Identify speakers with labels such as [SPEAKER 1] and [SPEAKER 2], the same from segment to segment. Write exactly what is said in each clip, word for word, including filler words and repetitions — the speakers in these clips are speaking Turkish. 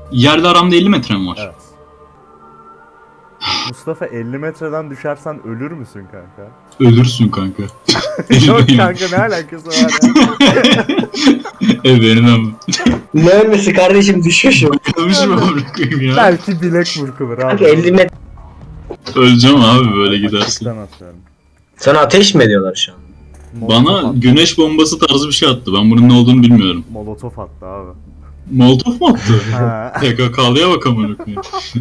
[SPEAKER 1] Yerle aramda elli metre mi var?
[SPEAKER 2] Evet. Mustafa elli metreden düşersen ölür müsün kanka?
[SPEAKER 1] Ölürsün kanka.
[SPEAKER 2] Yok kanka, ne alakası var ya?
[SPEAKER 1] E benim ama.
[SPEAKER 3] Ne ölmesi kardeşim, düşüşüm.
[SPEAKER 1] Ölmüş mü bırakayım ya?
[SPEAKER 2] Belki bilek burkulur abi.
[SPEAKER 3] Kanka elli metre.
[SPEAKER 1] Öleceğim abi böyle gidersin.
[SPEAKER 2] Açıktan atıyorum.
[SPEAKER 3] Sana ateş mi ediyorlar şu an?
[SPEAKER 2] Molotof
[SPEAKER 1] Bana
[SPEAKER 2] attı.
[SPEAKER 1] güneş bombası tarzı bir şey attı. Ben bunun ne olduğunu bilmiyorum.
[SPEAKER 2] Molotof attı abi.
[SPEAKER 1] Molotov mu attı?
[SPEAKER 2] Ha.
[SPEAKER 1] P K K'lıya bak amına koyayım.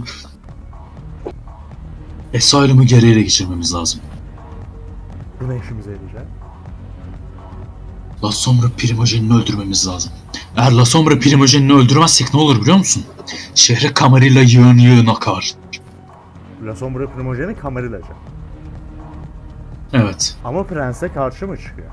[SPEAKER 1] Asylum'u geri ele geçirmemiz lazım.
[SPEAKER 2] Bu ne işimize yarayacak?
[SPEAKER 1] La Sombra Primogenini öldürmemiz lazım. Eğer La Sombra Primogenini öldürmezsek ne olur biliyor musun? Şehre kamerayla yığın yığın akar.
[SPEAKER 2] La Sombra Primogeni kamerilacı.
[SPEAKER 1] Evet.
[SPEAKER 2] Ama prense karşı mı çıkıyor?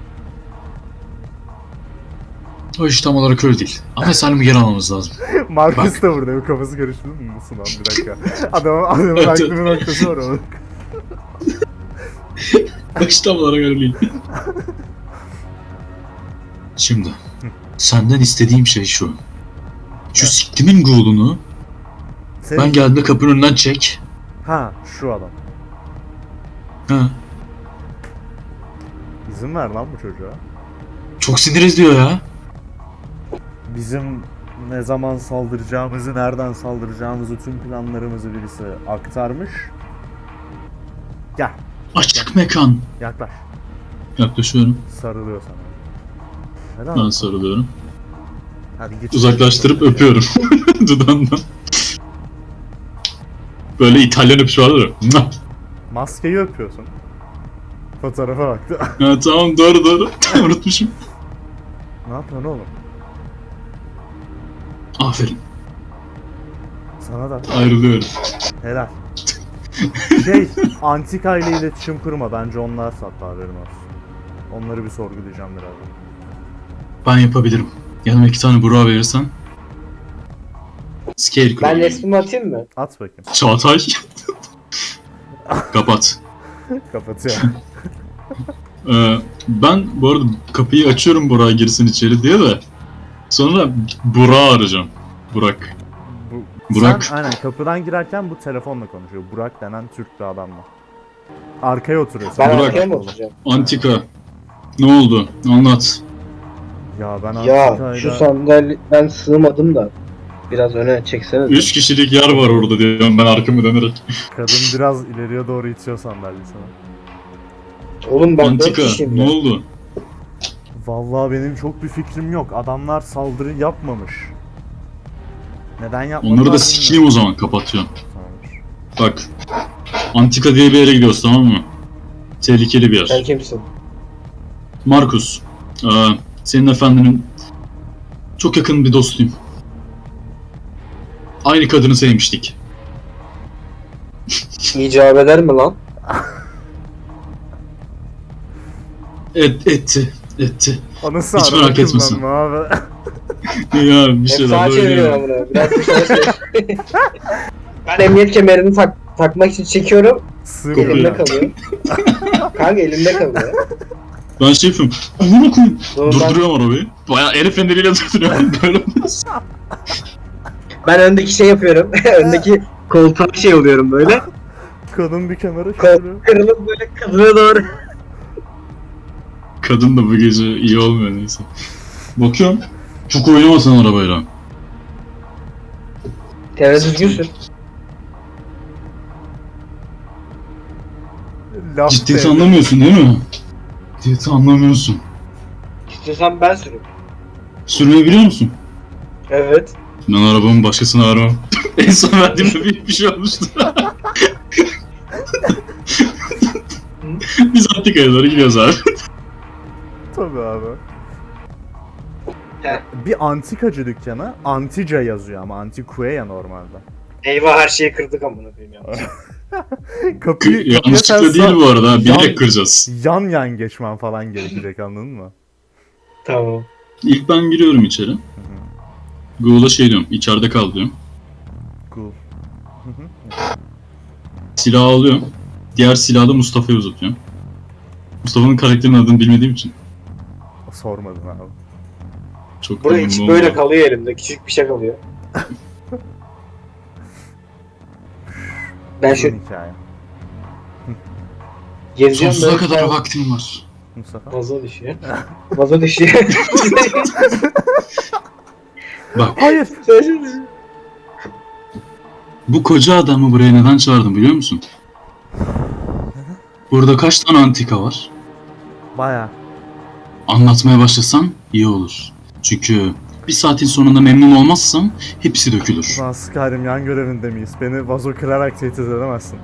[SPEAKER 1] O iş tam olarak öyle değil. Ama Asylum'u geri almamız lazım.
[SPEAKER 2] Marcus da burada, bir kafası karıştı mı? Nasıl lan, bir dakika. Adamın, adamın aklı bir noktası var onun.
[SPEAKER 1] O iş tam olarak öyle değil. Şimdi. Senden istediğim şey şu. Şu
[SPEAKER 2] Evet.
[SPEAKER 1] siktimin ghoul'unu
[SPEAKER 2] Senin...
[SPEAKER 1] ben geldiğimde kapının önünden çek.
[SPEAKER 2] Ha, şu adam.
[SPEAKER 1] Ha.
[SPEAKER 2] İzin ver lan bu çocuğa.
[SPEAKER 1] Çok sinir ediyor ya.
[SPEAKER 2] Bizim ne zaman saldıracağımızı, nereden saldıracağımızı, tüm planlarımızı birisi aktarmış. Gel,
[SPEAKER 1] Açık mekan.
[SPEAKER 2] yaklaş.
[SPEAKER 1] Yaklaşıyorum.
[SPEAKER 2] Sarılıyor sana. Helal
[SPEAKER 1] Ben
[SPEAKER 2] olsun.
[SPEAKER 1] sarılıyorum.
[SPEAKER 2] Hadi geç.
[SPEAKER 1] Uzaklaştırıp öpüyorum. Dudağından. Böyle İtalyan öpüş vardır ya.
[SPEAKER 2] Maskeyi öpüyorsun. Fotoğrafa baktı.
[SPEAKER 1] Ha, tamam doğru doğru. Unutmuşum.
[SPEAKER 2] Ne yapıyorsun oğlum?
[SPEAKER 1] Aferin.
[SPEAKER 2] Sana da.
[SPEAKER 1] Ayrılıyorum.
[SPEAKER 2] Helal. Şey, Antika ile iletişim kurma. Bence onlar sattı, haberin olsun. Onları bir sorgulayacağım birazdan.
[SPEAKER 1] Ben yapabilirim. Yanıma iki tane Burak'a verirsen. Scarecrow.
[SPEAKER 3] Ben resmimi atayım mı?
[SPEAKER 2] At bakayım.
[SPEAKER 1] Çağatay. Kapat.
[SPEAKER 2] Kapatıyor.
[SPEAKER 1] Ee, ben bu arada kapıyı açıyorum Burak'a girsin içeri diye de. Sonra Burak'ı arayacağım. Burak.
[SPEAKER 2] Bu,
[SPEAKER 1] Burak.
[SPEAKER 2] Sen aynen kapıdan girerken bu telefonla konuşuyor. Burak denen Türk bir adamla. Arkaya oturuyor.
[SPEAKER 3] Ben
[SPEAKER 2] Sen
[SPEAKER 1] Burak.
[SPEAKER 3] arkaya mı oturacağım?
[SPEAKER 1] Antika. Ne oldu? Anlat.
[SPEAKER 2] Ya ben
[SPEAKER 3] Ya
[SPEAKER 2] Antika'yla...
[SPEAKER 3] şu sandalye ben sığmadım da. Biraz öne çeksene.
[SPEAKER 1] Üç kişilik yer var orada diyorum ben arkamı dönerek.
[SPEAKER 2] Kadın biraz ileriye doğru itiyor sandalyesini.
[SPEAKER 3] Oğlum ben dört
[SPEAKER 1] Antika
[SPEAKER 3] kişiyim
[SPEAKER 1] ne
[SPEAKER 3] ya.
[SPEAKER 1] oldu?
[SPEAKER 2] Vallahi benim çok bir fikrim yok. Adamlar saldırı yapmamış. Neden yapmadılar
[SPEAKER 1] Onları da sikeyim o zaman kapatıyorum.
[SPEAKER 2] Tamamdır.
[SPEAKER 1] Bak. Antika diye bir yere gidiyoruz tamam mı? Tehlikeli bir
[SPEAKER 3] Sen
[SPEAKER 1] yer.
[SPEAKER 3] kimsin?
[SPEAKER 1] Markus. Ee, senin efendinin çok yakın bir dostuyum. Aynı kadını sevmiştik.
[SPEAKER 3] İcap eder mi lan?
[SPEAKER 1] Et, etti. Etti.
[SPEAKER 2] Anası
[SPEAKER 1] Hiç
[SPEAKER 2] araba
[SPEAKER 1] merak etmesin.
[SPEAKER 2] kullanma abi.
[SPEAKER 1] Ya bir
[SPEAKER 3] Hep
[SPEAKER 1] şeyler
[SPEAKER 3] sağa çeviriyorum
[SPEAKER 1] böyle.
[SPEAKER 3] bunu. Biraz dışarı çevir. Ben emniyet kemerini tak takmak için çekiyorum.
[SPEAKER 2] Sığmıyor.
[SPEAKER 1] Kokuyor.
[SPEAKER 3] Elimde kalıyor. Kanka elimde kalıyor.
[SPEAKER 1] Ben şey yapıyorum. Amına koyayım.
[SPEAKER 3] Dur, ben,
[SPEAKER 1] Durduruyorum arabayı. Bayağı el feneriyle durduruyorum. Böyle olmaz.
[SPEAKER 3] ben öndeki şey yapıyorum. öndeki koltuğa şey oluyorum böyle.
[SPEAKER 2] Kadın bir kenara
[SPEAKER 3] Kol
[SPEAKER 2] çeviriyor.
[SPEAKER 3] kırılıp böyle kadına doğru.
[SPEAKER 1] Kadın da bu gece iyi olmuyor neyse. Bakıyorum. Çok oynamasın arabayla.
[SPEAKER 3] Temiz düzgünsün.
[SPEAKER 2] Laf
[SPEAKER 1] Ciddiyeti
[SPEAKER 2] devri.
[SPEAKER 1] anlamıyorsun değil mi? Ciddiyeti anlamıyorsun.
[SPEAKER 3] İstiyorsan ben sürüm.
[SPEAKER 1] Sürmeyi biliyor musun?
[SPEAKER 3] Evet.
[SPEAKER 1] Ben arabamı başkasına aramam. En son verdiğimde büyük bir şey olmuştu. Biz Antika'ya doğru gidiyoruz abi.
[SPEAKER 2] Tabii abi.
[SPEAKER 3] He.
[SPEAKER 2] Bir antikacı dükkanı Antica yazıyor ama Antiquea normalde.
[SPEAKER 3] Eyvah, her şeyi kırdık amına koyayım ya.
[SPEAKER 2] Kapıyı, kapıya sen
[SPEAKER 1] Yanlışlıkla değil bu arada.
[SPEAKER 2] Yan-
[SPEAKER 1] Bilerek kıracağız.
[SPEAKER 2] yan yan geçmen falan gerekecek, anladın mı?
[SPEAKER 3] Tamam.
[SPEAKER 1] İlk ben giriyorum içeri. Google'a şey diyorum. İçeride kal diyorum.
[SPEAKER 2] Cool.
[SPEAKER 1] Silahı alıyorum. Diğer silahı da Mustafa'ya uzatıyorum. Mustafa'nın karakterinin adını bilmediğim için.
[SPEAKER 2] Sormadın abi.
[SPEAKER 1] Çok
[SPEAKER 3] Buraya
[SPEAKER 1] memnun
[SPEAKER 3] hiç
[SPEAKER 1] oldum
[SPEAKER 3] böyle
[SPEAKER 1] abi.
[SPEAKER 3] kalıyor elimde. Küçük bir şey kalıyor. Ben
[SPEAKER 2] Uzun
[SPEAKER 3] şu
[SPEAKER 2] hikaye.
[SPEAKER 3] gezeceğim
[SPEAKER 1] Sonsuza
[SPEAKER 3] böyle.
[SPEAKER 1] kadar vaktim var.
[SPEAKER 2] Mustafa.
[SPEAKER 3] Vazo düşüyor. Vazo düşüyor.
[SPEAKER 1] Bak
[SPEAKER 2] Hayır.
[SPEAKER 1] bu koca adamı buraya neden çağırdım biliyor musun? Burada kaç tane antika var?
[SPEAKER 2] Baya.
[SPEAKER 1] Anlatmaya başlasam iyi olur. Çünkü bir saatin sonunda memnun olmazsam hepsi dökülür.
[SPEAKER 2] Lan Skyrim yan görevinde miyiz? Beni vazo kırarak tehdit edemezsin.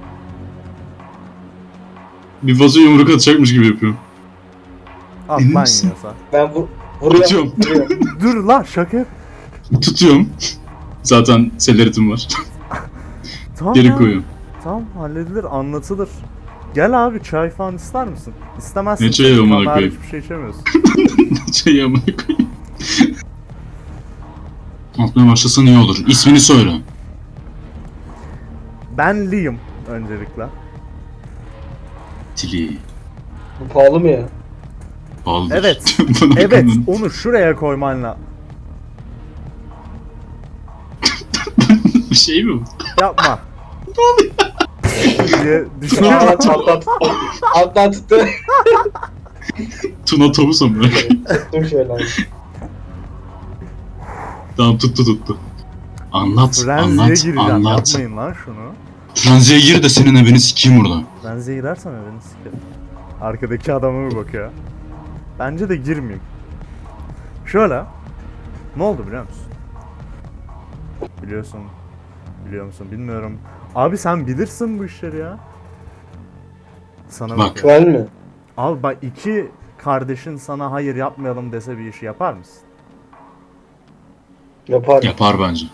[SPEAKER 1] Bir vazo yumruk atacakmış gibi yapıyorum.
[SPEAKER 2] At
[SPEAKER 1] Emin
[SPEAKER 2] lan
[SPEAKER 1] misin?
[SPEAKER 2] yiyorsa.
[SPEAKER 3] Ben bu vuruyorum.
[SPEAKER 1] Atıyorum.
[SPEAKER 3] vuruyorum.
[SPEAKER 2] Dur lan şaka yap.
[SPEAKER 1] Tutuyorum. Zaten seleritim var.
[SPEAKER 2] Tamam
[SPEAKER 1] Geri
[SPEAKER 2] ya.
[SPEAKER 1] koyuyorum.
[SPEAKER 2] Tamam halledilir anlatılır. Gel abi çay falan ister misin? İstemezsin.
[SPEAKER 1] Ne çayı
[SPEAKER 2] çünkü
[SPEAKER 1] amına
[SPEAKER 2] kamera
[SPEAKER 1] koyayım?
[SPEAKER 2] hiçbir şey içemiyorsun.
[SPEAKER 1] Şey amına koyayım. Anlatmaya başlasan iyi olur. İsmini söyle.
[SPEAKER 2] Ben Liam öncelikle.
[SPEAKER 1] Tili.
[SPEAKER 3] Bu pahalı mı ya?
[SPEAKER 1] Pahalıdır.
[SPEAKER 2] Evet.
[SPEAKER 1] Buna
[SPEAKER 2] Evet
[SPEAKER 1] bakın.
[SPEAKER 2] onu şuraya koyman lazım.
[SPEAKER 1] Bir şey mi bu?
[SPEAKER 2] Yapma. diye
[SPEAKER 3] Aa,
[SPEAKER 2] düşünüyorum.
[SPEAKER 3] alttan tuttu. Alttan tuttu.
[SPEAKER 1] Tuna Tavus amına koyayım.
[SPEAKER 3] Dur şöyle.
[SPEAKER 1] Tamam tuttu tuttu. Anlat,
[SPEAKER 2] Frenziye
[SPEAKER 1] anlat,
[SPEAKER 2] gireceğim.
[SPEAKER 1] anlat.
[SPEAKER 2] Yapmayın lan şunu.
[SPEAKER 1] Frenziye gir de senin evini sikeyim burada.
[SPEAKER 2] Frenziye girersen beni sikerim. Arkadaki adama bir bakıyor. Bence de girmeyeyim. Şöyle. Ne oldu biliyor musun? Biliyorsun. Biliyor musun bilmiyorum. Abi sen bilirsin bu işleri ya. Sana
[SPEAKER 1] Bak.
[SPEAKER 2] bakıyor.
[SPEAKER 3] Güzel mi?
[SPEAKER 2] Abi bak iki kardeşin sana hayır yapmayalım dese bir işi yapar mısın?
[SPEAKER 3] Yapar.
[SPEAKER 1] Yapar bence.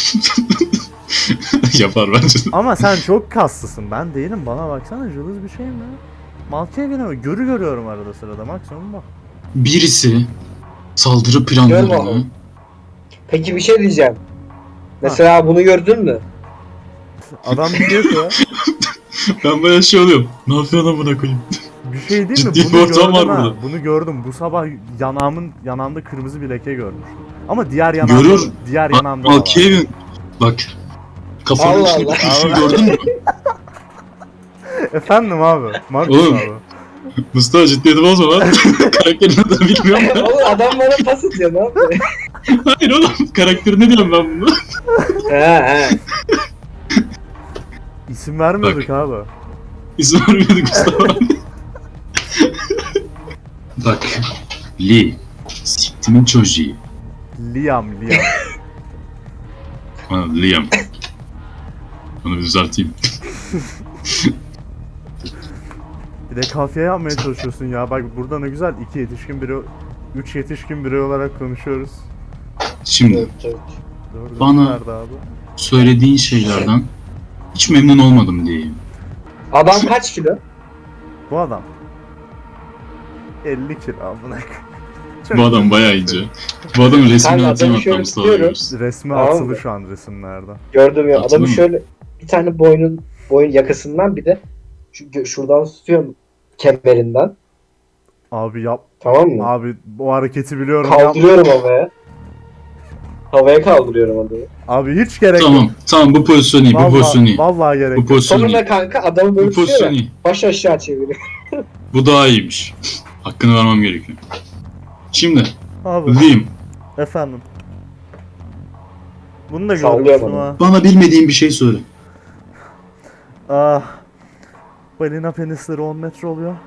[SPEAKER 1] Yapar bence.
[SPEAKER 2] Ama sen çok kaslısın. Ben değilim. Bana baksana cılız bir şeyim ya. Malkiye gene görü görüyorum arada sırada. Maksimum bak.
[SPEAKER 1] Birisi saldırı
[SPEAKER 3] Gör
[SPEAKER 1] planlarını
[SPEAKER 3] bakalım. Peki bir şey diyeceğim. Mesela bunu gördün mü?
[SPEAKER 2] Adam diyor ki ya.
[SPEAKER 1] ben bayağı şey oluyorum. Ne yapıyorsun amına koyayım?
[SPEAKER 2] Bir şey değil mi?
[SPEAKER 1] Ciddi bir
[SPEAKER 2] Bunu
[SPEAKER 1] ortam
[SPEAKER 2] gördüm
[SPEAKER 1] var
[SPEAKER 2] ha.
[SPEAKER 1] burada.
[SPEAKER 2] Bunu gördüm. Bu sabah yanağımın yanağımda kırmızı bir leke görmüştüm. Ama diğer yanağımda
[SPEAKER 1] Görür.
[SPEAKER 2] diğer yanağımda da
[SPEAKER 1] Al
[SPEAKER 2] var.
[SPEAKER 1] Kevin. Bak. Kafanın
[SPEAKER 3] Allah
[SPEAKER 1] içine
[SPEAKER 3] Allah.
[SPEAKER 1] bir kurşun gördün mü?
[SPEAKER 2] Efendim abi. Marcus
[SPEAKER 1] Oğlum.
[SPEAKER 2] abi.
[SPEAKER 1] Mustafa ciddiyeti bozma lan. Karakterini de bilmiyorum ben.
[SPEAKER 3] Oğlum adam bana pas atıyor ne yapıyor?
[SPEAKER 1] Hayır oğlum. Karakteri ne diyorum ben bunu?
[SPEAKER 3] he he.
[SPEAKER 2] İsim vermiyorduk abi.
[SPEAKER 1] İzin vermiyorduk Mustafa. Bak. Lee. Siktimin çocuğu.
[SPEAKER 2] Liam Liam.
[SPEAKER 1] Ha, Liam. Onu bir düzelteyim.
[SPEAKER 2] Bir de kafiye yapmaya çalışıyorsun ya. Bak burada ne güzel iki yetişkin biri, üç yetişkin birey olarak konuşuyoruz.
[SPEAKER 1] Şimdi
[SPEAKER 3] Evet, evet.
[SPEAKER 2] Doğru.
[SPEAKER 1] Bana-
[SPEAKER 2] Nerede abi?
[SPEAKER 1] söylediğin şeylerden hiç memnun olmadım diyeyim.
[SPEAKER 3] Adam kaç kilo?
[SPEAKER 2] Bu adam. elli kilo amına. Çok
[SPEAKER 1] Bu adam bayağı ince. Bu adamın resmini
[SPEAKER 3] Kanka,
[SPEAKER 1] atayım
[SPEAKER 3] adamı
[SPEAKER 1] hatta
[SPEAKER 3] şöyle
[SPEAKER 1] Mustafa
[SPEAKER 3] tutuyorum.
[SPEAKER 1] görürsün.
[SPEAKER 2] Resmi
[SPEAKER 3] Tamam
[SPEAKER 2] atılı
[SPEAKER 3] mı?
[SPEAKER 2] şu an resimlerde.
[SPEAKER 3] Gördüm ya.
[SPEAKER 1] Hatırlıyor
[SPEAKER 3] Adamı
[SPEAKER 1] musun?
[SPEAKER 3] şöyle bir tane boynun boyun yakasından bir de şu, gö- şuradan tutuyorum kemerinden.
[SPEAKER 2] Abi yap.
[SPEAKER 3] Tamam mı?
[SPEAKER 2] Abi bu hareketi biliyorum. Yap.
[SPEAKER 3] Kaldırıyorum havaya. Havaya kaldırıyorum adamı.
[SPEAKER 2] Abi hiç gerek
[SPEAKER 1] Tamam,
[SPEAKER 2] yok.
[SPEAKER 1] tamam bu pozisyon iyi, bu pozisyon
[SPEAKER 2] Vallahi,
[SPEAKER 1] iyi.
[SPEAKER 2] vallahi gerek
[SPEAKER 1] Bu
[SPEAKER 2] yok.
[SPEAKER 1] pozisyon
[SPEAKER 3] Sonra
[SPEAKER 1] iyi.
[SPEAKER 3] kanka adamı böyle
[SPEAKER 1] Bu pozisyon
[SPEAKER 3] tutuyor ya.
[SPEAKER 1] iyi.
[SPEAKER 3] Baş aşağı çeviriyor.
[SPEAKER 1] Bu daha iyiymiş. Hakkını vermem gerekiyor. Şimdi,
[SPEAKER 2] Abi
[SPEAKER 1] Liam,
[SPEAKER 2] efendim. Bunu da
[SPEAKER 3] Sallıyor
[SPEAKER 2] görmüştüm
[SPEAKER 3] bana.
[SPEAKER 2] ha.
[SPEAKER 1] bana bilmediğin bir şey söyle.
[SPEAKER 2] Ah. Balina penisleri on metre oluyor.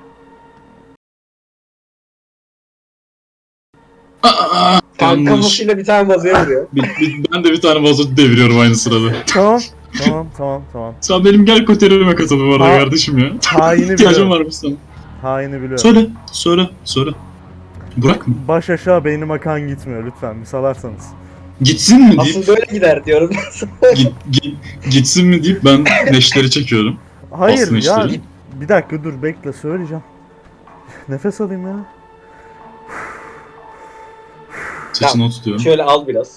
[SPEAKER 1] Aa,
[SPEAKER 3] Kanka
[SPEAKER 1] yanlış.
[SPEAKER 3] kafasıyla bir tane vazoya vuruyor.
[SPEAKER 1] Bir- bir- ben de bir tane vazo deviriyorum aynı sırada.
[SPEAKER 2] Tamam. Tamam tamam tamam.
[SPEAKER 1] Sen benim gel koterime katıl bu arada
[SPEAKER 2] Ha-
[SPEAKER 1] kardeşim ya.
[SPEAKER 2] Haini
[SPEAKER 1] İhtiyacım
[SPEAKER 2] biliyorum.
[SPEAKER 1] var mı sana?
[SPEAKER 2] Haini biliyorum.
[SPEAKER 1] Söyle, söyle, söyle. Bırak mı?
[SPEAKER 2] Baş aşağı beynim akan gitmiyor lütfen bir salarsanız.
[SPEAKER 1] Gitsin mi deyip,
[SPEAKER 3] Asıl böyle gider diyorum.
[SPEAKER 1] git, git, gitsin mi deyip ben neşteri çekiyorum.
[SPEAKER 2] Hayır
[SPEAKER 1] Basın
[SPEAKER 2] ya
[SPEAKER 1] işleri.
[SPEAKER 2] bir dakika dur bekle söyleyeceğim. Nefes alayım ya.
[SPEAKER 1] Sesini o tutuyorum.
[SPEAKER 3] Şöyle al biraz.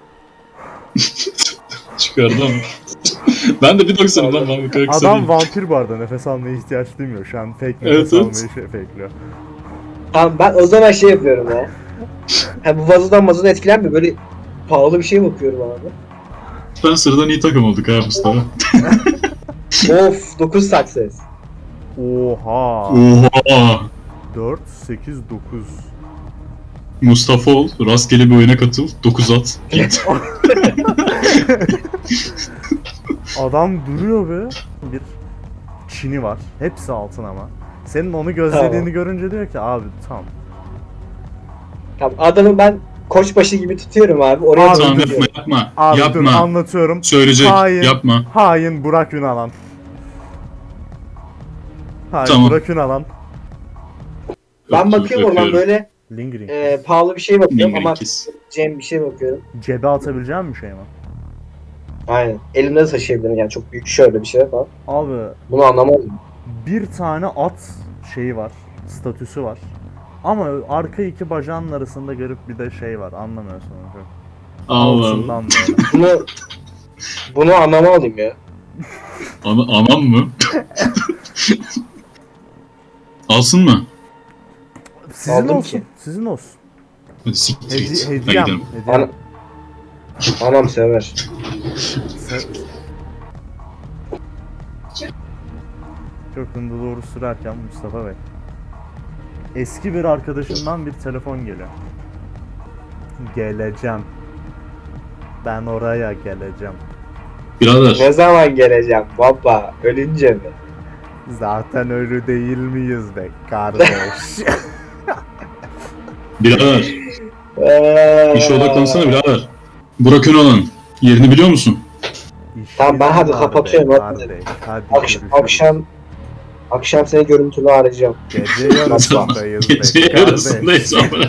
[SPEAKER 1] Çıkardı ama. ben de bir doksanım lan ben bu kadar kısa
[SPEAKER 2] Adam
[SPEAKER 1] değilim.
[SPEAKER 2] vampir bu arada nefes almaya ihtiyaç duymuyor. Şu an fake
[SPEAKER 1] Evet,
[SPEAKER 2] nefes
[SPEAKER 1] evet.
[SPEAKER 2] almayı şey fake'liyor.
[SPEAKER 3] Tamam ben o zaman şey yapıyorum ya. Ha bu vazodan mazodan etkilenmiyor. Böyle pahalı bir şeye bakıyorum abi.
[SPEAKER 1] Ben sıradan iyi takım olduk ha Mustafa.
[SPEAKER 3] Of dokuz success.
[SPEAKER 2] Oha.
[SPEAKER 1] Oha.
[SPEAKER 2] dört, sekiz, dokuz.
[SPEAKER 1] Mustafa ol, rastgele bir oyuna katıl, dokuz at, git.
[SPEAKER 2] Adam duruyor be. Bir Çin'i var. Hepsi altın ama. Senin onu gözlediğini
[SPEAKER 3] Tamam.
[SPEAKER 2] görünce diyor ki abi tamam.
[SPEAKER 3] Tamam adamı ben koçbaşı gibi tutuyorum abi. Oraya
[SPEAKER 2] Abi,
[SPEAKER 3] doğru
[SPEAKER 1] Tamam
[SPEAKER 3] gidiyorum.
[SPEAKER 1] yapma yapma,
[SPEAKER 2] Abi dur
[SPEAKER 1] yapma.
[SPEAKER 2] anlatıyorum.
[SPEAKER 1] Söyleyecek,
[SPEAKER 2] Hain.
[SPEAKER 1] yapma.
[SPEAKER 2] Hain Burak Ünalan. Hain
[SPEAKER 1] Tamam.
[SPEAKER 2] Burak Ünalan.
[SPEAKER 3] Ben
[SPEAKER 1] Öptüm,
[SPEAKER 3] bakıyorum oradan
[SPEAKER 1] öpüyorum.
[SPEAKER 3] böyle
[SPEAKER 2] Lingering.
[SPEAKER 3] e, pahalı bir şey bakıyorum ama
[SPEAKER 1] Lingerinkis.
[SPEAKER 3] Cem bir şey bakıyorum.
[SPEAKER 2] Cebe atabileceğim bir şey mi?
[SPEAKER 3] Aynen. Elimde de taşıyabilirim yani çok büyük şöyle bir şey falan.
[SPEAKER 2] Abi
[SPEAKER 3] Bunu anlamadım.
[SPEAKER 2] bir tane at şeyi var. Statüsü var. Ama arka iki bacağının arasında garip bir de şey var. Anlamıyorsun onu çok.
[SPEAKER 1] Allah Allah.
[SPEAKER 2] Altından böyle.
[SPEAKER 3] Bunu bunu anlamadım ya.
[SPEAKER 1] Ana, anam mı? Alsın mı?
[SPEAKER 2] Sizin
[SPEAKER 3] Aldım
[SPEAKER 2] olsun.
[SPEAKER 3] ki.
[SPEAKER 2] Sizin olsun.
[SPEAKER 1] Hadi siktir
[SPEAKER 2] Hedi
[SPEAKER 1] git. Hadi
[SPEAKER 2] hediyem.
[SPEAKER 1] gidelim.
[SPEAKER 2] Hediyem.
[SPEAKER 3] Ana- Anam sever.
[SPEAKER 2] Se- Çok hızlı doğru sürerken Mustafa Bey. Eski bir arkadaşımdan bir telefon geliyor. Geleceğim. Ben oraya geleceğim.
[SPEAKER 1] Birader,
[SPEAKER 3] Ne zaman geleceğim baba? Ölünce mi?
[SPEAKER 2] Zaten ölü değil miyiz be kardeş?
[SPEAKER 1] birader.
[SPEAKER 3] Eee...
[SPEAKER 1] İşe odaklansana birader. Burak Önalan, yerini biliyor musun?
[SPEAKER 2] İşim
[SPEAKER 3] Tamam, ben hadi
[SPEAKER 2] var
[SPEAKER 3] kapatıyorum,
[SPEAKER 2] be
[SPEAKER 3] hadi.
[SPEAKER 2] kardeş. Hadi
[SPEAKER 3] Akş-
[SPEAKER 2] görüşürüz.
[SPEAKER 3] akşam akşam seni görüntülü arayacağım.
[SPEAKER 2] Gece yarısındayız be
[SPEAKER 1] Gece
[SPEAKER 2] kardeş.
[SPEAKER 1] yarısındayız ama.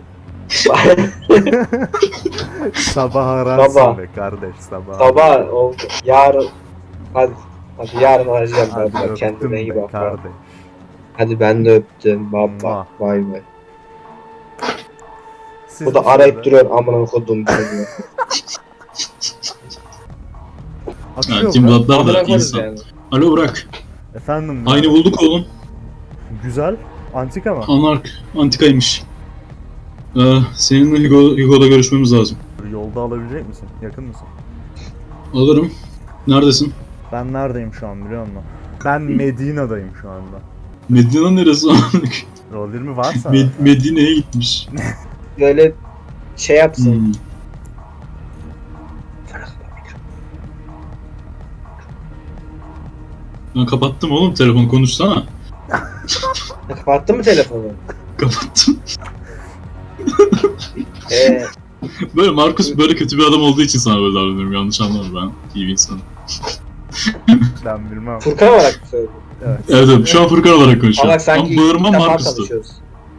[SPEAKER 2] Sabah ararsın
[SPEAKER 3] Sabah.
[SPEAKER 2] be kardeş sabah.
[SPEAKER 3] Sabah oldu. Yarın hadi hadi yarın arayacağım
[SPEAKER 2] Hadi
[SPEAKER 3] ben.
[SPEAKER 2] öptüm
[SPEAKER 3] Kendine iyi
[SPEAKER 2] be
[SPEAKER 3] bak.
[SPEAKER 2] kardeş.
[SPEAKER 3] Hadi ben de öptüm baba.
[SPEAKER 2] Mua.
[SPEAKER 3] Vay be.
[SPEAKER 2] Siz
[SPEAKER 3] Bu da
[SPEAKER 2] bir
[SPEAKER 3] arayıp
[SPEAKER 2] şöyle-
[SPEAKER 3] duruyor amına kodum çocuğu.
[SPEAKER 2] Atıyor
[SPEAKER 1] Ha,
[SPEAKER 2] be.
[SPEAKER 1] Tim Blatlar
[SPEAKER 3] Amına
[SPEAKER 1] da
[SPEAKER 3] koyarız
[SPEAKER 1] insan.
[SPEAKER 3] yani.
[SPEAKER 1] Alo Burak,
[SPEAKER 2] Efendim.
[SPEAKER 1] aynı bulduk oğlum.
[SPEAKER 2] Güzel. Antika mı?
[SPEAKER 1] Anark, antikaymış. Ee, seninle Hugo, Hugo'da görüşmemiz lazım.
[SPEAKER 2] Yolda alabilecek misin? Yakın mısın?
[SPEAKER 1] Alırım. Neredesin?
[SPEAKER 2] Ben neredeyim şu an biliyor musun? Ben Medina'dayım şu anda.
[SPEAKER 1] Medina neresi?
[SPEAKER 2] Rol yirmi varsa.
[SPEAKER 1] Med- Medine'ye gitmiş.
[SPEAKER 3] Böyle şey yapsın.
[SPEAKER 1] Hmm. Ben kapattım oğlum, telefon konuşsana.
[SPEAKER 3] Kapattın mı telefonu?
[SPEAKER 1] Kapattım.
[SPEAKER 3] Ee,
[SPEAKER 1] Böyle Markus böyle kötü bir adam olduğu için sana böyle davranıyorum. Yanlış anlama, ben iyi bir insanım.
[SPEAKER 2] Ben bilmem.
[SPEAKER 3] Furkan olarak mı söyledin?
[SPEAKER 2] Evet.
[SPEAKER 1] Evet evet, şu an Furkan olarak konuşuyorum.
[SPEAKER 3] Ama sanki
[SPEAKER 1] Ama bağırmam
[SPEAKER 3] ilk defa
[SPEAKER 1] Markus'tu.
[SPEAKER 3] tanışıyoruz.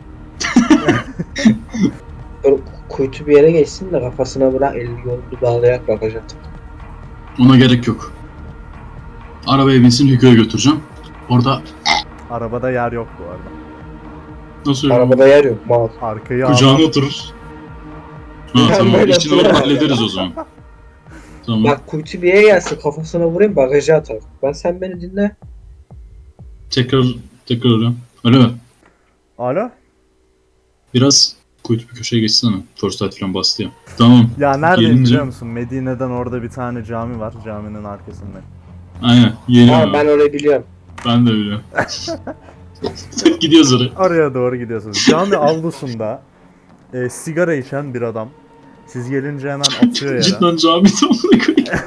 [SPEAKER 3] Böyle kuytu bir yere geçsin de kafasına bırak elini yolunu bağlayarak bakacak.
[SPEAKER 1] Ona gerek yok. Arabaya binsin, Hugo'ya götüreceğim. Orada
[SPEAKER 2] Arabada yer yok bu arada.
[SPEAKER 1] nasıl
[SPEAKER 3] Arabada yer yok mal.
[SPEAKER 2] Arkayı
[SPEAKER 1] kucağına
[SPEAKER 2] almak-
[SPEAKER 1] oturur. Ha
[SPEAKER 3] Ben
[SPEAKER 1] tamam,
[SPEAKER 3] böyle
[SPEAKER 1] içini alıp
[SPEAKER 3] oturamam.
[SPEAKER 1] hallederiz o zaman. Tamam.
[SPEAKER 3] Bak kuytu bir yere gelsin kafasına vurayım bagaja atar. Ben sen beni dinle.
[SPEAKER 1] Tekrar tekrar arıyorum. Alo.
[SPEAKER 2] Alo?
[SPEAKER 1] Biraz kuytu bir köşeye geçsene. First light falan bastı ya. Tamam.
[SPEAKER 2] Ya neredeyim
[SPEAKER 1] Gelince-
[SPEAKER 2] biliyor musun? Medine'den orada bir tane cami var. Caminin arkasında.
[SPEAKER 1] Aynen. Geliyorum.
[SPEAKER 3] Ha,
[SPEAKER 1] Ben,
[SPEAKER 3] ben orayı biliyorum.
[SPEAKER 1] ben de biliyorum. Gidiyoruz oraya.
[SPEAKER 2] Oraya doğru gidiyorsunuz. Cami avlusunda e, sigara içen bir adam. Siz gelince hemen atıyor yere.
[SPEAKER 1] Cidden cami tamamına koyayım.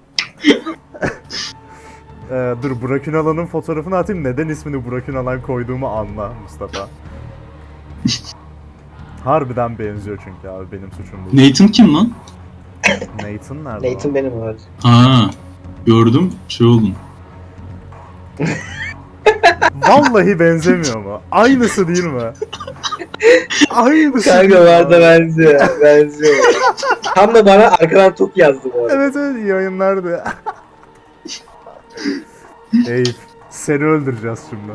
[SPEAKER 2] Ee, dur Burak Ünalan'ın fotoğrafını atayım. Neden ismini Burak Ünalan koyduğumu anla Mustafa. Harbiden benziyor çünkü abi benim suçum bu.
[SPEAKER 1] Nathan kim lan?
[SPEAKER 2] Nathan nerede?
[SPEAKER 3] Nathan benim abi.
[SPEAKER 1] Ha. Gördüm. Şey oldum.
[SPEAKER 2] Vallahi benzemiyor mu? Aynısı değil mi? Aynısı.
[SPEAKER 3] Kanka
[SPEAKER 2] değil mi
[SPEAKER 3] var da
[SPEAKER 2] abi?
[SPEAKER 3] benziyor. Benziyor. Tam da bana arkadan top yazdı bu arada.
[SPEAKER 2] Evet evet iyi yayınlardı. Ey seni öldüreceğiz şimdi.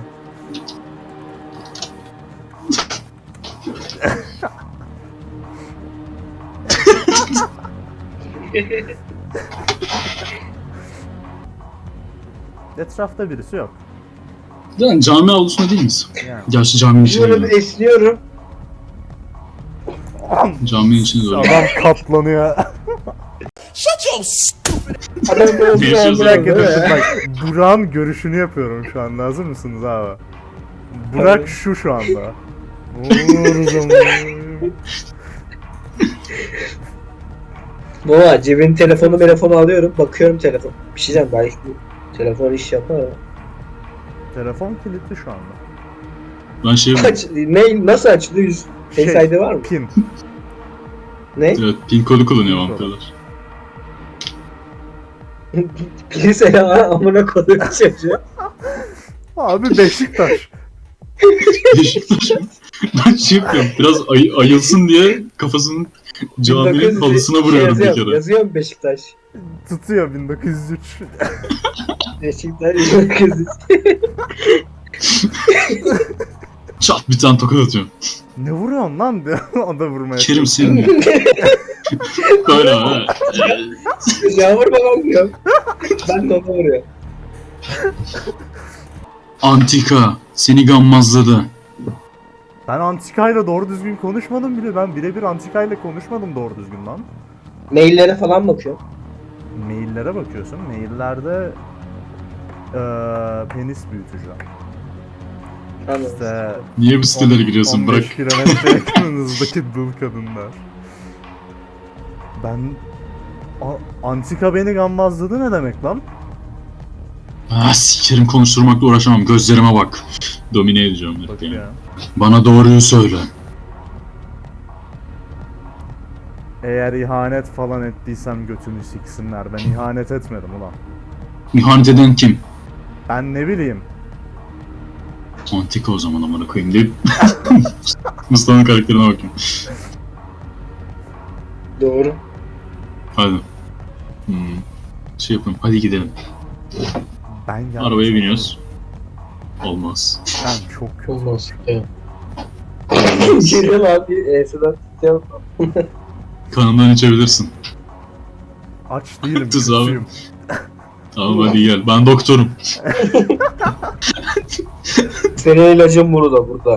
[SPEAKER 2] Etrafta birisi yok.
[SPEAKER 1] Yani cami avlusunda değil miyiz?
[SPEAKER 2] Yani.
[SPEAKER 1] Gerçi caminin içine
[SPEAKER 3] Şöyle bir
[SPEAKER 1] girelim.
[SPEAKER 3] esniyorum.
[SPEAKER 1] Caminin içine doğru.
[SPEAKER 2] Adam katlanıyor.
[SPEAKER 4] Shut your stupid
[SPEAKER 3] Adam böyle
[SPEAKER 1] Bir
[SPEAKER 3] bir
[SPEAKER 1] şey
[SPEAKER 3] an
[SPEAKER 2] Bir dakika dur
[SPEAKER 3] bırak,
[SPEAKER 2] dur
[SPEAKER 3] değil mi?
[SPEAKER 2] bak. Burak'ın görüşünü yapıyorum şu anda. Hazır mısınız abi? Burak
[SPEAKER 3] Tabii.
[SPEAKER 2] şu şu anda. Vur zaman.
[SPEAKER 3] Baba cebin telefonu telefonu alıyorum. Bakıyorum telefon. Bir şey diyeceğim belki bu telefon iş yapar ha.
[SPEAKER 2] Telefon kilitli şu anda.
[SPEAKER 1] Ben şey
[SPEAKER 3] Aç, ne, nasıl açılıyor? Yüz Face I D var mı?
[SPEAKER 2] Pin.
[SPEAKER 3] Ne?
[SPEAKER 1] evet, pin kodu kullanıyor
[SPEAKER 2] Pin kodu.
[SPEAKER 1] vampirler.
[SPEAKER 3] Birisi ya amına koyduğum çocuğu.
[SPEAKER 2] Abi Beşiktaş.
[SPEAKER 1] Beşiktaş mı? Ben şey yapıyorum. Biraz ay- ayılsın diye kafasının caminin
[SPEAKER 3] bin dokuz yüz
[SPEAKER 1] halısına
[SPEAKER 3] şey
[SPEAKER 1] vuruyorum bir
[SPEAKER 3] yazıyorum,
[SPEAKER 1] kere.
[SPEAKER 3] Yazıyorum Beşiktaş.
[SPEAKER 2] Tutuyor bin dokuz yüz üç.
[SPEAKER 3] Beşiktaş bin dokuz yüz.
[SPEAKER 1] Çat bir tane tokat atıyorum.
[SPEAKER 2] Ne vuruyorsun lan diyor. O da vurmaya.
[SPEAKER 1] Kerim senin. Böyle ha.
[SPEAKER 3] Yağmur babam diyor. Ben de ona vuruyorum.
[SPEAKER 1] Antika seni gammazladı.
[SPEAKER 2] Ben Antika'yla doğru düzgün konuşmadım bile. Ben birebir Antika'yla konuşmadım doğru düzgün lan.
[SPEAKER 3] Maillere falan bakıyorum.
[SPEAKER 2] Maillere bakıyorsun. Maillerde eee penis büyütücü.
[SPEAKER 3] Anladım.
[SPEAKER 2] İşte
[SPEAKER 1] Niye bu sitelere giriyorsun? Bırak.
[SPEAKER 2] on beş kilometre yakınınızdaki dul kadınlar. Ben... A- Antika beni gammazladı ne demek lan?
[SPEAKER 1] Ah sikerim, konuşturmakla uğraşamam. Gözlerime bak. Domine edeceğim.
[SPEAKER 2] Bak
[SPEAKER 1] yani.
[SPEAKER 2] ya.
[SPEAKER 1] Bana doğruyu söyle.
[SPEAKER 2] Eğer ihanet falan ettiysem götünü siksinler. Ben ihanet etmedim ulan.
[SPEAKER 1] İhanet eden kim?
[SPEAKER 2] Ben ne bileyim.
[SPEAKER 1] Antika o zaman amına koyayım deyip Mustafa'nın karakterine bakayım.
[SPEAKER 3] Doğru.
[SPEAKER 1] Hadi. Hmm. Şey yapalım. Hadi gidelim.
[SPEAKER 2] Ben yanlış
[SPEAKER 1] Arabaya
[SPEAKER 2] anladım.
[SPEAKER 1] biniyoruz. Olmaz.
[SPEAKER 2] Ben çok kötü.
[SPEAKER 3] Olmaz. Evet. Geliyorum abi. Enseden tutuyorum.
[SPEAKER 1] Kanından içebilirsin.
[SPEAKER 2] Aç değilim.
[SPEAKER 1] Tuz abi.
[SPEAKER 2] kötüyüm.
[SPEAKER 1] Tamam hadi gel. Ben doktorum.
[SPEAKER 3] Senin ilacın burada burada.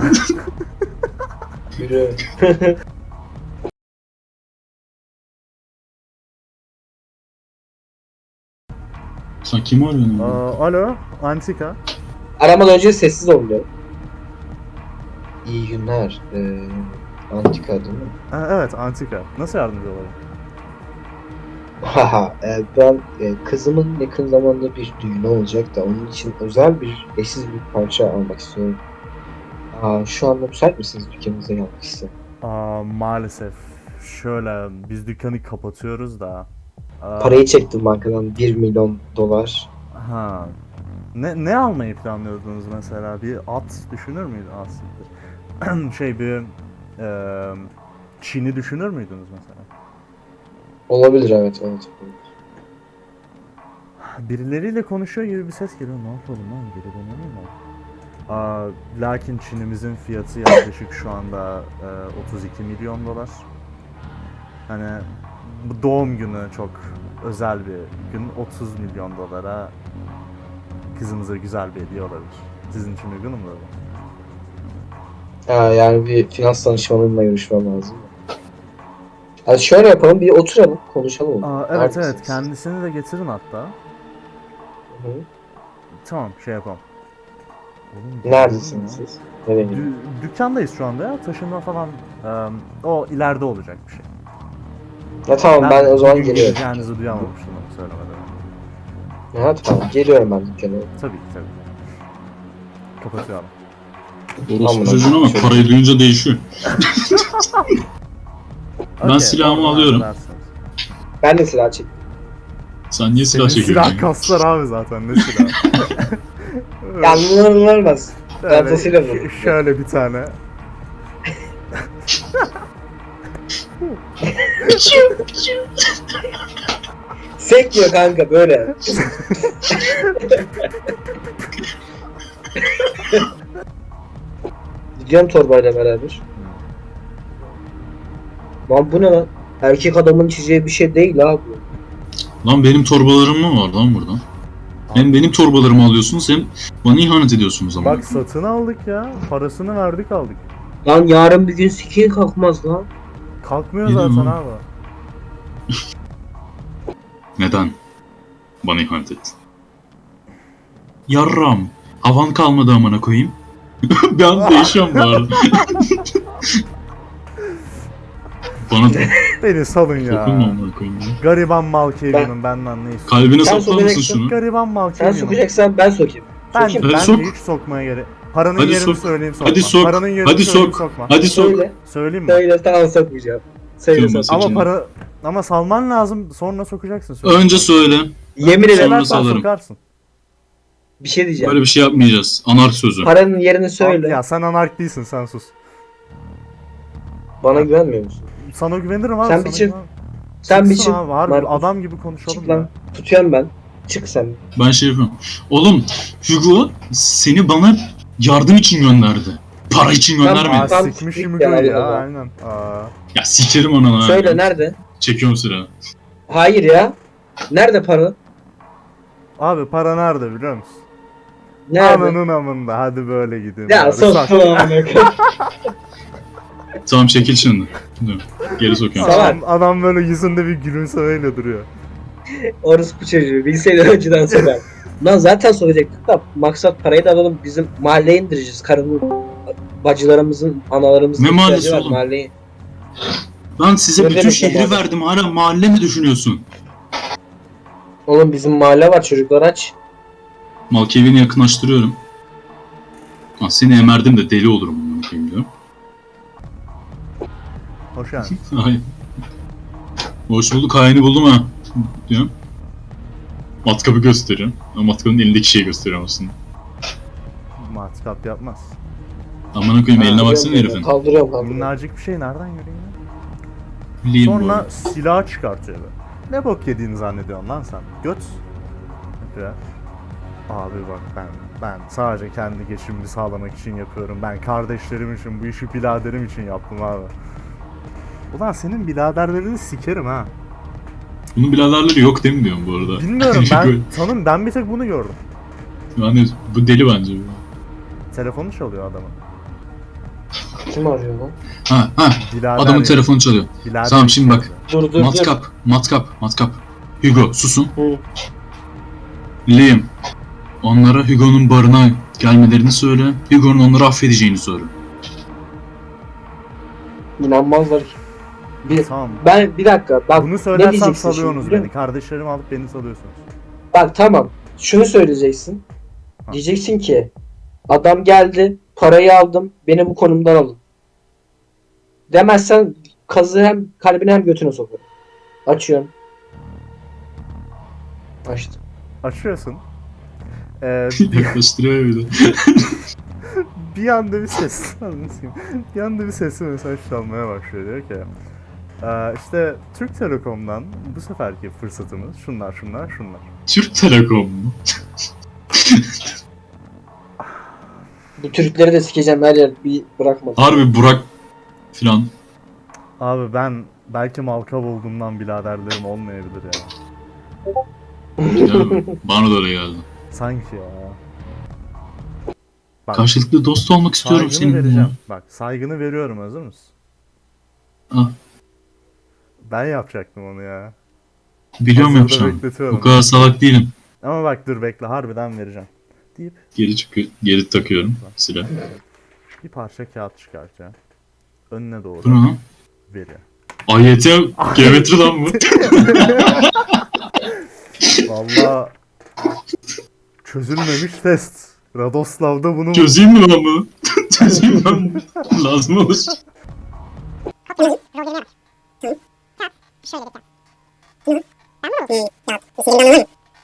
[SPEAKER 3] Yürü.
[SPEAKER 1] Sen kimi arıyorsun?
[SPEAKER 2] Aa, alo, Antika.
[SPEAKER 3] Aramadan önce sessiz oluyor. İyi günler. Ee, antika değil mi?
[SPEAKER 2] Ha, evet, Antika. Nasıl yardımcı olayım?
[SPEAKER 3] Haha, e, ben e, kızımın yakın zamanda bir düğünü olacak da onun için özel bir eşsiz bir parça almak istiyorum. Aa, şu anda müsait misiniz dükkanınıza gelmek istedim?
[SPEAKER 2] Aa, maalesef. Şöyle, biz dükkanı kapatıyoruz da. Aa,
[SPEAKER 3] Parayı çektim bankadan bir milyon dolar.
[SPEAKER 2] Ha. Ne ne almayı planlıyordunuz mesela? Bir at düşünür müydünüz aslında? şey bir eee Çin'i düşünür müydünüz mesela?
[SPEAKER 3] Olabilir, evet evet.
[SPEAKER 2] Birileriyle konuşuyor gibi bir ses geliyor. Ne yapalım lan? Geri dönelim mi? Aa, lakin Çin'imizin fiyatı yaklaşık şu anda e, otuz iki milyon dolar. Hani bu doğum günü çok özel bir gün. otuz milyon dolara kızımıza güzel bir hediye olabilir. Sizin için uygun mu böyle?
[SPEAKER 3] Ha, yani bir finans danışmanımla görüşmem lazım. Yani şöyle yapalım, bir oturalım, konuşalım.
[SPEAKER 2] Aa, evet
[SPEAKER 3] Neredesiniz?
[SPEAKER 2] evet, kendisini de getirin hatta.
[SPEAKER 3] Hı hı.
[SPEAKER 2] Tamam, şey yapalım. Oğlum,
[SPEAKER 3] Neredesiniz
[SPEAKER 2] ya.
[SPEAKER 3] siz? Nereye gidiyorsunuz?
[SPEAKER 2] Dü- dükkandayız şu anda ya. Taşınma falan em, o ileride olacak bir şey.
[SPEAKER 3] Ya tamam, ben, o zaman
[SPEAKER 2] bugün
[SPEAKER 3] geliyorum.
[SPEAKER 2] geleceğinizi duyamamıştım onu söylemeden.
[SPEAKER 3] Ha tamam, geliyorum ben dükkana.
[SPEAKER 2] Tabii ki tabii. Kapatıyorum.
[SPEAKER 1] Orospu
[SPEAKER 3] Amına
[SPEAKER 1] çocuğuna bak,
[SPEAKER 3] koyayım.
[SPEAKER 1] parayı duyunca değişiyor. Ben
[SPEAKER 2] Okey,
[SPEAKER 1] silahımı
[SPEAKER 2] oradan
[SPEAKER 1] alıyorum.
[SPEAKER 2] halledersiniz.
[SPEAKER 3] Ben de silah çektim.
[SPEAKER 1] Sen niye silah
[SPEAKER 2] Senin
[SPEAKER 1] çekiyorsun?
[SPEAKER 2] silah kaslar abi zaten, ne silah?
[SPEAKER 3] Yanlılar olmaz.
[SPEAKER 2] Şöyle-
[SPEAKER 3] Fazlasıyla vurdum.
[SPEAKER 2] Şöyle bir tane.
[SPEAKER 3] Sekmiyor kanka böyle. Gidiyorum torbayla beraber. Lan bu ne lan? Erkek adamın çizeceği bir şey değil abi.
[SPEAKER 1] Lan benim torbalarım mı var lan burada? Hem benim torbalarımı alıyorsunuz hem bana ihanet ediyorsunuz ama.
[SPEAKER 2] Bak satın aldık ya. Parasını verdik aldık.
[SPEAKER 3] Lan yarın bir gün sikiye kalkmaz lan.
[SPEAKER 2] Kalkmıyor
[SPEAKER 1] Yedim
[SPEAKER 2] zaten
[SPEAKER 1] lan.
[SPEAKER 2] abi.
[SPEAKER 1] Neden bana ihanet ettin? Yarram. Havan kalmadı amına koyayım. Bir an değişiyorum bu arada. Bana
[SPEAKER 2] Beni salın
[SPEAKER 1] dokunma
[SPEAKER 2] ya.
[SPEAKER 1] amına koyayım ya.
[SPEAKER 2] Gariban Malkavia'nın benden ne istiyorsun?
[SPEAKER 1] Kalbine
[SPEAKER 3] Sen
[SPEAKER 1] sokar mısın
[SPEAKER 3] sokacaksın.
[SPEAKER 1] şunu?
[SPEAKER 2] Gariban
[SPEAKER 3] Sen
[SPEAKER 2] Malkavia'nın.
[SPEAKER 3] sokacaksan ben sokayım.
[SPEAKER 2] Ben,
[SPEAKER 3] Sokayım.
[SPEAKER 2] ben
[SPEAKER 1] Hadi sok.
[SPEAKER 2] de hiç sokmaya gerek. Paranın
[SPEAKER 1] Hadi
[SPEAKER 2] yerini
[SPEAKER 1] sok.
[SPEAKER 2] söyleyeyim sokma.
[SPEAKER 1] Hadi sok.
[SPEAKER 2] Paranın yerini
[SPEAKER 1] Hadi
[SPEAKER 2] söyleyeyim
[SPEAKER 1] sok.
[SPEAKER 2] sokma.
[SPEAKER 1] Hadi sok.
[SPEAKER 3] Söyle.
[SPEAKER 2] Söyleyeyim mi?
[SPEAKER 3] Söyle tamam sokmayacağım. Söyle
[SPEAKER 1] Söyle.
[SPEAKER 3] sok.
[SPEAKER 2] Ama
[SPEAKER 1] Söyle.
[SPEAKER 2] para ama salman lazım sonra sokacaksın. Söyle.
[SPEAKER 1] Önce söyle.
[SPEAKER 3] Yemin ederim
[SPEAKER 1] Sonra
[SPEAKER 2] Söylersen
[SPEAKER 1] salarım.
[SPEAKER 2] sokarsın.
[SPEAKER 3] bir şey diyeceğim.
[SPEAKER 1] Böyle bir şey yapmayacağız. Anark sözü.
[SPEAKER 3] Paranın yerini söyle.
[SPEAKER 2] Ya sen anark değilsin sen sus.
[SPEAKER 3] Bana güvenmiyor musun?
[SPEAKER 2] Sana güvenirim abi.
[SPEAKER 3] Sen
[SPEAKER 2] sana
[SPEAKER 3] bir çık.
[SPEAKER 2] güvenirim.
[SPEAKER 3] Sen bir
[SPEAKER 2] Çıksın
[SPEAKER 3] çık.
[SPEAKER 2] abi, harbi
[SPEAKER 3] Markus.
[SPEAKER 2] adam gibi konuşalım
[SPEAKER 3] Çık
[SPEAKER 2] ya.
[SPEAKER 3] lan. Tutuyorum ben. Çık sen.
[SPEAKER 1] Ben şey yapıyorum. Oğlum Hugo seni bana yardım için gönderdi. Para için
[SPEAKER 3] Tamam,
[SPEAKER 2] Aa,
[SPEAKER 1] göndermedi.
[SPEAKER 3] Tam
[SPEAKER 2] sikmiş
[SPEAKER 3] siktir
[SPEAKER 2] Hugo
[SPEAKER 3] ya,
[SPEAKER 2] ya
[SPEAKER 3] Allah.
[SPEAKER 2] aynen. Aa.
[SPEAKER 1] Ya sikerim ananı. ha.
[SPEAKER 3] Söyle nerede?
[SPEAKER 1] Çekiyorum sıra.
[SPEAKER 3] Hayır ya. Nerede para?
[SPEAKER 2] Abi para nerede biliyor musun?
[SPEAKER 3] Nerede?
[SPEAKER 2] Ananın amında hadi böyle gidin.
[SPEAKER 3] Ya
[SPEAKER 2] bari.
[SPEAKER 3] sos
[SPEAKER 2] Sak-
[SPEAKER 3] falan.
[SPEAKER 1] Tamam çekil şimdi. Dur, geri sokuyorum.
[SPEAKER 3] Salak.
[SPEAKER 2] Adam, adam böyle yüzünde bir gülümsemeyle duruyor.
[SPEAKER 3] Orospu çocuğu. Bilseydi önceden söyler. Lan zaten soracaktık da maksat parayı da alalım bizim mahalleye indireceğiz. Karının, bacılarımızın, analarımızın
[SPEAKER 1] Ne
[SPEAKER 3] ihtiyacı
[SPEAKER 1] mahallesi
[SPEAKER 3] var
[SPEAKER 1] oğlum?
[SPEAKER 3] mahalleye.
[SPEAKER 1] Lan size
[SPEAKER 3] Ne
[SPEAKER 1] bütün
[SPEAKER 3] demek
[SPEAKER 1] şehri
[SPEAKER 3] mahalle?
[SPEAKER 1] verdim. Hala mahalle mi düşünüyorsun?
[SPEAKER 3] Oğlum bizim mahalle var çocuklar aç.
[SPEAKER 1] Malkevi'ni yakınlaştırıyorum. Ha, seni emerdim de deli olurum bunu bakayım diyorum.
[SPEAKER 2] Hoş geldin.
[SPEAKER 1] Ay. Hoş bulduk, haini buldum ha. Diyorum. Matkabı gösteriyorum. Ama matkabın elindeki şeyi gösteriyorum aslında.
[SPEAKER 2] Matkap yapmaz.
[SPEAKER 1] Amına koyayım
[SPEAKER 2] Ha,
[SPEAKER 1] eline baksana
[SPEAKER 3] Kaldırıyorum,
[SPEAKER 1] herifin.
[SPEAKER 3] Kaldırıyorum kaldırıyorum.
[SPEAKER 2] Minnacık bir şey nereden göreyim ya?
[SPEAKER 1] Bileyim bu
[SPEAKER 2] Sonra
[SPEAKER 1] arada.
[SPEAKER 2] silah çıkartıyor böyle. Ne bok yediğini zannediyorsun lan sen? Göt. Ya. Abi bak ben ben sadece kendi geçimimi sağlamak için yapıyorum. Ben kardeşlerim için, bu işi biraderim için yaptım abi. Ulan senin biraderlerini sikerim ha.
[SPEAKER 1] Bunun biraderleri yok değil mi diyorum bu arada.
[SPEAKER 2] Bilmiyorum ben tanım ben bir tek bunu gördüm.
[SPEAKER 1] Yani bu deli bence.
[SPEAKER 2] Telefonu çalıyor adamın.
[SPEAKER 3] Kim arıyor lan?
[SPEAKER 1] Ha ha.
[SPEAKER 2] Birader
[SPEAKER 1] Adamın
[SPEAKER 2] ya.
[SPEAKER 1] telefonu çalıyor.
[SPEAKER 2] Birader
[SPEAKER 1] Tamam, şimdi bak.
[SPEAKER 2] istiyor.
[SPEAKER 3] Dur dur dur.
[SPEAKER 1] Matkap, matkap, matkap. Hugo susun.
[SPEAKER 3] Hı.
[SPEAKER 1] Liam. Onlara Hugo'nun barına gelmelerini söyle. Hugo'nun onları affedeceğini söyle.
[SPEAKER 3] İnanmazlar ki. Bir,
[SPEAKER 2] Tamam.
[SPEAKER 3] ben bir dakika bak
[SPEAKER 2] Bunu
[SPEAKER 3] ne
[SPEAKER 2] söylersem
[SPEAKER 3] diyeceksin
[SPEAKER 2] salıyorsunuz
[SPEAKER 3] şimdi, biliyor
[SPEAKER 2] beni. Kardeşlerimi alıp beni salıyorsunuz.
[SPEAKER 3] Bak tamam. Şunu söyleyeceksin.
[SPEAKER 2] Ha.
[SPEAKER 3] Diyeceksin ki adam geldi, parayı aldım, beni bu konumdan alın. Demezsen kazı hem kalbine hem götüne sokarım. Açıyorum. Açtım.
[SPEAKER 2] Açıyorsun. Ee, bir,
[SPEAKER 1] Yaklaştırıyor bir de.
[SPEAKER 2] bir anda bir ses anlatayım. Bir anda bir sesli mesaj çalmaya başlıyor. Diyor ki "Ee, işte Türk Telekom'dan bu seferki fırsatımız şunlar şunlar şunlar.
[SPEAKER 1] Türk Telekom mu?
[SPEAKER 3] Bu Türkleri de sikeceğim her yer bir bırakmadım.
[SPEAKER 1] Harbi Burak filan.
[SPEAKER 2] Abi ben belki Malkav olduğumdan biraderlerim olmayabilir ya.
[SPEAKER 1] Yani bana da öyle geldi.
[SPEAKER 2] Sanki ya. Bak,
[SPEAKER 1] Karşılıklı dost olmak istiyorum
[SPEAKER 2] saygını
[SPEAKER 1] senin.
[SPEAKER 2] vereceğim. Bak saygını veriyorum, hazır mısın?
[SPEAKER 1] Ah,
[SPEAKER 2] Ben yapacaktım onu ya.
[SPEAKER 1] biliyorum
[SPEAKER 2] Hazırda
[SPEAKER 1] yapacağım.
[SPEAKER 2] bekletiyorum.
[SPEAKER 1] O kadar salak değilim.
[SPEAKER 2] Ama bak dur bekle, harbiden vereceğim. Deyip
[SPEAKER 1] Geri çıkıyor, geri takıyorum silah.
[SPEAKER 2] bir parça kağıt çıkartacağım. Önüne doğru
[SPEAKER 1] Bu ne lan?
[SPEAKER 2] veriyor.
[SPEAKER 1] A Y T geometri lan bu.
[SPEAKER 2] Valla çözülmemiş test. Radoslav'da bunu
[SPEAKER 1] Çözeyim mi lan bunu? Çözeyim lan. Lazım olur.
[SPEAKER 4] Şöyle bir tane. Tamam mı? Ya, senin anladın mı?